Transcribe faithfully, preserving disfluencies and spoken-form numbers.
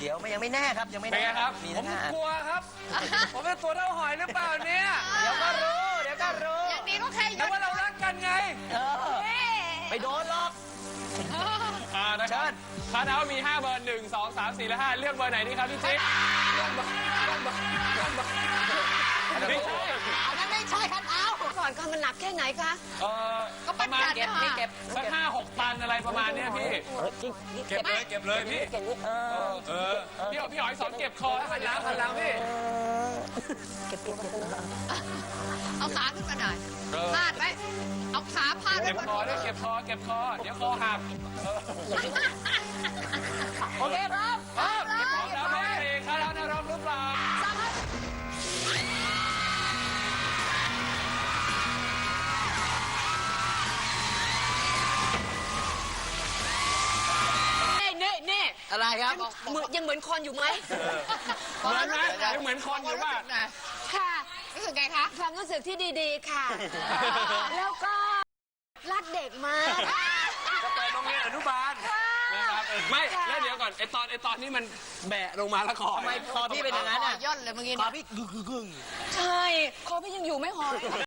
ดี๋ยวมันยังไม่แน่ครับยังไม่เป็นแน่ไงครับมีผทั้มงห้ากลัวครับ ผมเป็นตัวเท่าหอยหรือเปล่าเนี่ยเดี๋ยวก็รู้เดี๋ยวก็รู้อย่างนี้ก็แค่ยแต่ศว่าเรารักกันไงเออไปโดนหรอกอ่านะครับคาดเอามีห้าเบอร์หนึ่งสองสามสี่และห้าเลือกเบอร์ไหนดีครับพี่จิ๊กเลือกเบอร์เลือกเบอร์เลือกเบอร์ไม่ใช่อันนั้นไม่ใช่คันเอาก่อนก่อนมันหนักแค่ไหนคะเออก็ปปั้ระนมาณจัดเก็บนะนี่เก็บสักห้าหกตันอะไรประมาณเนี้ยพี่ เก็บเลยเก็บเลยพี่เก่งนี่เออเออพี่หอยพี่หอยสอนเก็บคอหันหลังหันหลังพี่เก็บเก็บเก็บเอาขาขึ้นมาหน่อยเออพาดไว้เอาขาพาดไว้เก็บบนคอด้วยเก็บคอเก็บคอเดี๋ยวคอหักโอเคครับเออเก็บคอแล้วแม่เองคาดเอาแนวรบหรือเปล่าเน่เน่เน่อะไรครับเหมือนยังเหมือนคนอยู่ไหมเหมือนไหมยังเหมือนคนอยู่ป่ะค่ะรู้สึกไงคะความรู้สึกที่ดีๆค่ะ แล้วก็รักเด็กมากจะไปโรงเรียนอนุบาลนะครับไม่แล้วเดี๋ยวก่อนไอตอนไอตอนนี้มันแบะลงมาแล้วคอทำไมคอพี่เป็นอย่างนั้นอ่ะย่นเลยเมื่อกี้คอนะพี่กึ่งกึ่งกึ่งใช่คอพี่ยังอยู่ไม่หอย